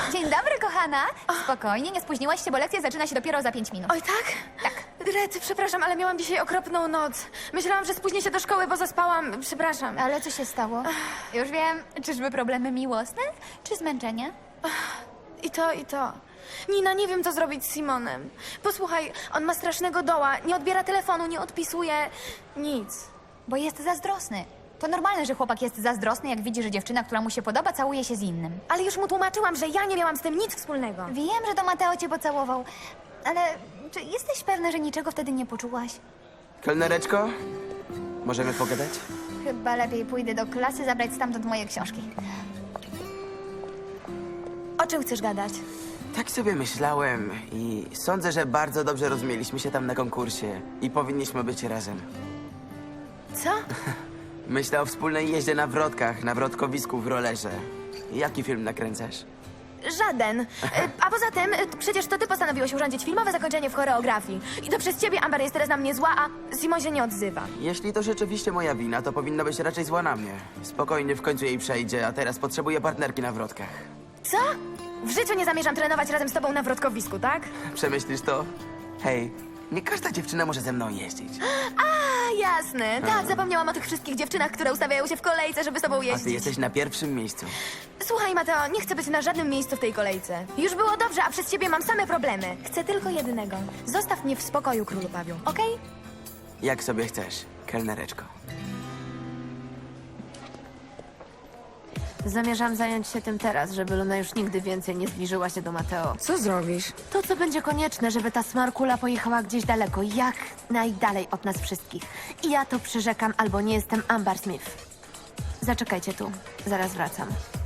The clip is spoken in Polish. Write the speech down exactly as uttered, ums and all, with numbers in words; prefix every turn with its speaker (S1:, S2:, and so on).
S1: Dzień dobry, kochana. Spokojnie, nie spóźniłaś się, bo lekcja zaczyna się dopiero za pięć minut.
S2: Oj, tak?
S1: Tak.
S2: Rety, przepraszam, ale miałam dzisiaj okropną noc. Myślałam, że spóźnię się do szkoły, bo zaspałam. Przepraszam.
S1: Ale co się stało? Już wiem. Czyżby problemy miłosne? Czy zmęczenie?
S2: I to, i to. Nina, nie wiem, co zrobić z Simonem. Posłuchaj, on ma strasznego doła. Nie odbiera telefonu, nie odpisuje. Nic.
S1: Bo jest zazdrosny. To normalne, że chłopak jest zazdrosny, jak widzi, że dziewczyna, która mu się podoba, całuje się z innym.
S2: Ale już mu tłumaczyłam, że ja nie miałam z tym nic wspólnego.
S1: Wiem, że to Mateo cię pocałował, ale czy jesteś pewna, że niczego wtedy nie poczułaś?
S3: Kelnereczko, możemy pogadać?
S1: Chyba lepiej pójdę do klasy zabrać stamtąd moje książki.
S2: O czym chcesz gadać?
S3: Tak sobie myślałem i sądzę, że bardzo dobrze rozumieliśmy się tam na konkursie i powinniśmy być razem.
S2: Co?
S3: Myślę o wspólnej jeździe na wrotkach, na wrotkowisku w rollerze. Jaki film nakręcasz?
S2: Żaden. Y, A poza tym, y, przecież to ty postanowiłeś urządzić filmowe zakończenie w choreografii. I to przez ciebie Amber jest teraz na mnie zła, a Simon się nie odzywa.
S3: Jeśli to rzeczywiście moja wina, to powinna być raczej zła na mnie. Spokojnie, w końcu jej przejdzie, a teraz potrzebuję partnerki na wrotkach.
S2: Co? W życiu nie zamierzam trenować razem z tobą na wrotkowisku, tak?
S3: Przemyślisz to? Hej, nie każda dziewczyna może ze mną jeździć.
S2: A, jasne. Tak, zapomniałam o tych wszystkich dziewczynach, które ustawiają się w kolejce, żeby z tobą
S3: A ty
S2: jeździć.
S3: jesteś na pierwszym miejscu.
S2: Słuchaj, Mateo, nie chcę być na żadnym miejscu w tej kolejce. Już było dobrze, a przez ciebie mam same problemy. Chcę tylko jednego. Zostaw mnie w spokoju, królu Pawiu, okej?
S3: Jak sobie chcesz, kelnereczko.
S4: Zamierzam zająć się tym teraz, żeby Luna już nigdy więcej nie zbliżyła się do Mateo.
S5: Co zrobisz?
S4: To, co będzie konieczne, żeby ta smarkula pojechała gdzieś daleko, jak najdalej od nas wszystkich. I ja to przyrzekam, albo nie jestem Amber Smith. Zaczekajcie tu, zaraz wracam.